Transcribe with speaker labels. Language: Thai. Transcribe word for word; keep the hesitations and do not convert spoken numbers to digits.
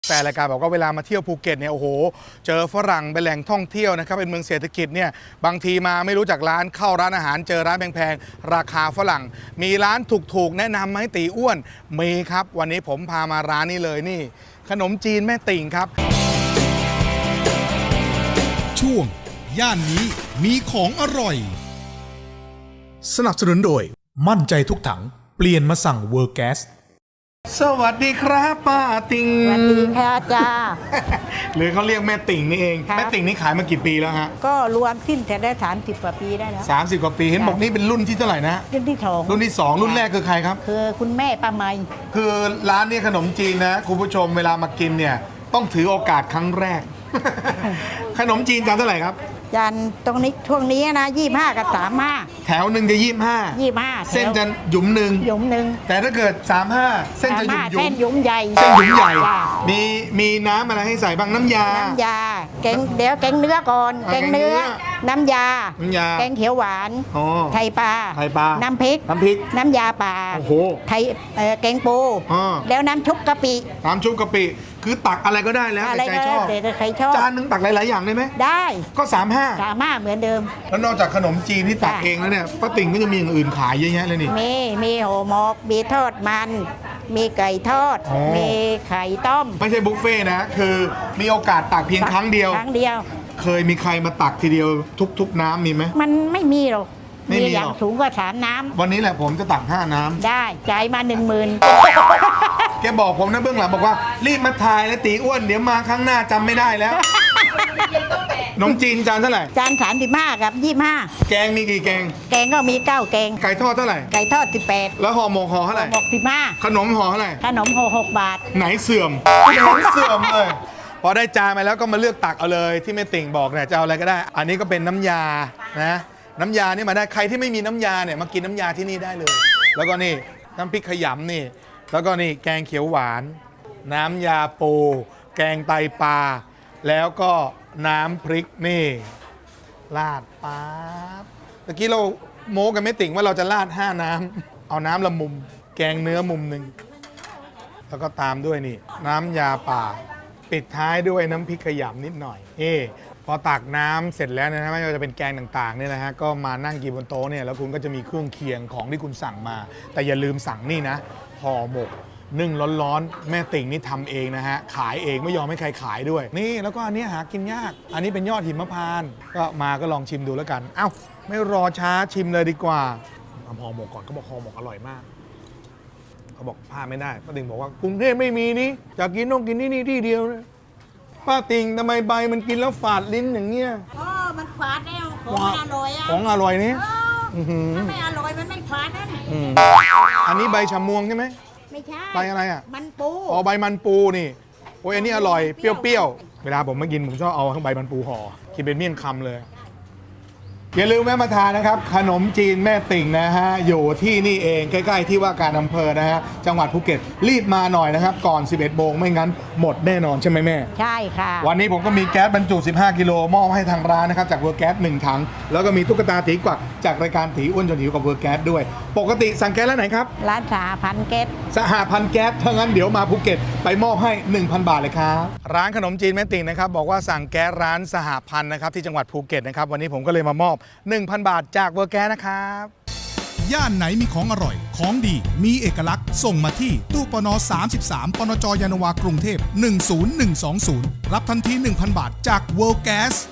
Speaker 1: แต่รายการบอกว่าเวลามาเที่ยวภูเก็ตเนี่ยโอ้โหเจอฝรั่งเป็นแหล่งท่องเที่ยวนะครับเป็นเมืองเศรษฐกิจเนี่ยบางทีมาไม่รู้จักร้านเข้าร้านอาหารเจอร้านแพงๆราคาฝรั่งมีร้านถูกๆแนะนำไหมตีอ้วนมีครับวันนี้ผมพามาร้านนี้เลยนี่ขนมจีนแม่ติ่งครับ
Speaker 2: ช่วงย่านนี้มีของอร่อย
Speaker 1: สนับสนุนโดย
Speaker 2: มั่นใจทุกถังเปลี่ยนมาสั่งเวอร์แก๊ส
Speaker 1: สวัสดีครับป้าติ่ง
Speaker 3: สวัสดีค่ะจ้า
Speaker 1: หรือเขาเรียกแม่ติ่งนี่เองแม่ติ่งนี่ขายมากี่ปีแล้วฮะ
Speaker 3: ก็รวมสิ้นแต่ได้สามสิบกว่าปีได้แล้ว
Speaker 1: สามสิบกว่าปีเห็นบอกนี่เป็นรุ่นที่เท่าไหร่นะ
Speaker 3: รุ่นที่สอง
Speaker 1: รุ่นที่สองรุ่นแรกคือใครครับ
Speaker 3: คือคุณแม่ป้าไม
Speaker 1: คือร้านนี้ขนมจีนนะคุณผู้ชมเวลามากินเนี่ยต้องถือโอกาสครั้งแรก ขนมจีนจานเท่าไหร่ครับ
Speaker 3: จานตรงนี้ช่วงนี้นะยี่ห้ากับสามห้า
Speaker 1: แถวหนึ่งจะยี่ห้า
Speaker 3: ยี่ห้า
Speaker 1: เส้นจะหยุมหนึ่ง
Speaker 3: หยุมหนึ่ง
Speaker 1: แต่ถ้าเกิดสามห้าเส้นจะหยุมหยุม
Speaker 3: เส้นหยุมใหญ่
Speaker 1: เส้นหยุมใหญ่มีมีน้ำอะไรให้ใส่บ้างน้ำยา
Speaker 3: น้ำยาแกงเดี๋ยวแกงเนื้อก่อนแกงเนื้อน้ำยา
Speaker 1: น้ำยา
Speaker 3: แกงเขียวหวานไทยปลา
Speaker 1: ไทยปลา
Speaker 3: น้ำพริก
Speaker 1: น้ำพริก
Speaker 3: น้ำยาปลา
Speaker 1: โอ้โห
Speaker 3: ไทยแกงปูแล้วน้ำชุบกะปิ
Speaker 1: น้ำชุบกะปิคือตักอะไรก็ได้แล้วแต่ใจชอบ
Speaker 3: แต่ใครชอบ
Speaker 1: จานนึงตักหลายๆอย่างได้ไหม
Speaker 3: ได้
Speaker 1: ก็สามห้า
Speaker 3: สามห้าเหมือนเดิม
Speaker 1: แล้วนอกจากขนมจีนที่ตักเองแล้วเนี่ยป้าติ่งก็จะมีอย่างอื่นขายเยอะแยะเลยนี่
Speaker 3: มีมีห่อหมกมีทอดมันมีไก่ทอดมีไข่ต้ม
Speaker 1: ไม่ใช่บุฟเฟ่นะคือมีโอกาสตักเพียงครั้งเดียว
Speaker 3: ครั้งเดียว
Speaker 1: เคยมีใครมาตักทีเดียวทุกๆน้ำมีไหม
Speaker 3: มันไม่มีหรอกมีอย่างสูงกว่าสามน้
Speaker 1: ำวันนี้แหละผมจะตักห้าน้ำ
Speaker 3: ได้จ่ายมาหนึ่งหมื่น
Speaker 1: แกบอกผมนะเบื้องหลังบอกว่ารีบมาถ่ายแล้วตีอ้วนเดี๋ยวมาครั้งหน้าจำไม่ได้แล้วขนมจีนจานเท่าไหร่
Speaker 3: จานสามสิบห้ากับยี่ห้า
Speaker 1: แกงมีกี่แกง
Speaker 3: แกงก็มีเก้าแกง
Speaker 1: ไก่ทอดเท่าไหร่
Speaker 3: ไก่ทอดสิบแปด
Speaker 1: แล้วห่อหมกห่อเท่าไหร่
Speaker 3: หมกสิบห้า
Speaker 1: ขนมห่อเท่าไหร่
Speaker 3: ขนมห่อหกบาท
Speaker 1: ไหนเสื่อมไหนเสื่อมเลยพอได้จานมาแล้วก็มาเลือกตักเอาเลยที่แม่ติ่งบอกเนี่ยจะเอาอะไรก็ได้อันนี้ก็เป็นน้ำยานะน้ำยานี่มาได้ใครที่ไม่มีน้ำยาเนี่ยมากินน้ำยาที่นี่ได้เลยแล้วก็นี่น้ำพริกขยำนี่แล้วก็นี่แกงเขียวหวานน้ำยาปูแกงไตปลาแล้วก็น้ำพริกนี่ราดป๊าบตะกี้เราโม้กันไม่ติ่งว่าเราจะราดห้าน้ำเอาน้ำละมุมแกงเนื้อมุมหนึ่งแล้วก็ตามด้วยนี่น้ำยาป่าปิดท้ายด้วยน้ำพริกขยำนิดหน่อยเอพอตักน้ำเสร็จแล้วนะฮะไม่ว่าจะเป็นแกงต่างๆเนี่ยนะฮะก็มานั่งกินบนโต๊ะเนี่ยแล้วคุณก็จะมีเครื่องเคียงของที่คุณสั่งมาแต่อย่าลืมสั่งนี่นะห่อหมกนึ่งร้อนๆแม่ติ่งนี่ทำเองนะฮะขายเองไม่ยอมให้ใครขายด้วยนี่แล้วก็อันนี้หากินยากอันนี้เป็นยอดหิมพานต์ก็มาก็ลองชิมดูแล้วกันเอ้าไม่รอช้าชิมเลยดีกว่าทำห่อหมกก่อนเขาบอกห่อหมกอร่อยมากเขาบอกพลาดไม่ได้ป้าติ่งบอกว่ากรุงเทพไม่มีนี่จะกินต้องกินที่นี่ที่เดียวนะป้าติ่งทำไมใบมันกินแล้วฝาดลิ้นอย่างเงี้ย
Speaker 3: อ๋อมันฝาดแล้วของอร่อยอ่ะ
Speaker 1: ของอร่อยนี่
Speaker 3: ถ้าไม่อร่อยมันไม่ฝาดนั่น
Speaker 1: อันนี้ใบชะมวงใช่ไหม
Speaker 3: ไม่ใช่
Speaker 1: ใบอะไรอ่ะ
Speaker 3: มันปู
Speaker 1: อ๋อใบมันปูนี่โอ้ยอันนี้อร่อยเปรี้ยวๆเวลาผมมากินผมชอบเอาทั้งใบมันปูห่อกินเป็นเมี่ยงคำเลยอย่าลืมแวะมาทานนะครับขนมจีนแม่ติ่งนะฮะอยู่ที่นี่เองใกล้ๆที่ว่าการอำเภอนะฮะจังหวัดภูเก็ตรีบมาหน่อยนะครับก่อนสิบเอ็ดโมงไม่งั้นหมดแน่นอนใช่ไหมแม่
Speaker 3: ใช่ค่ะ
Speaker 1: วันนี้ผมก็มีแก๊สบรรจุสิบห้ากิโลมอบให้ทางร้านนะครับจากเวอร์แก๊สหนึ่งถังแล้วก็มีตุ๊กตาตีกวักจากรายการตีอ้วนจนหิวกับเวอร์แก๊สด้วยปกติสั่งแก๊สร้านไหนครับ
Speaker 3: ร้านสหพันธ์แก๊ส
Speaker 1: สหพันธ์แก๊สถ้างั้นเดี๋ยวมาภูเก็ตไปมอบให้ หนึ่งพัน บาทเลยครับร้านขนมจีนแม่ติ่งนะครับบอกว่าสั่งแก๊สร้านสหพันธ์นะครับที่จังหวัดภูเก็ตนะครับวันนี้ผมก็เลยมามอบ หนึ่งพัน บาทจากเวอร์แก๊สนะครับ
Speaker 2: ย่านไหนมีของอร่อยของดีมีเอกลักษณ์ส่งมาที่ตู้ปนสามสิบสามปนจยานนาวากรุงเทพหนึ่งศูนย์หนึ่งสองศูนย์รับทันที หนึ่งพัน บาทจาก World Gas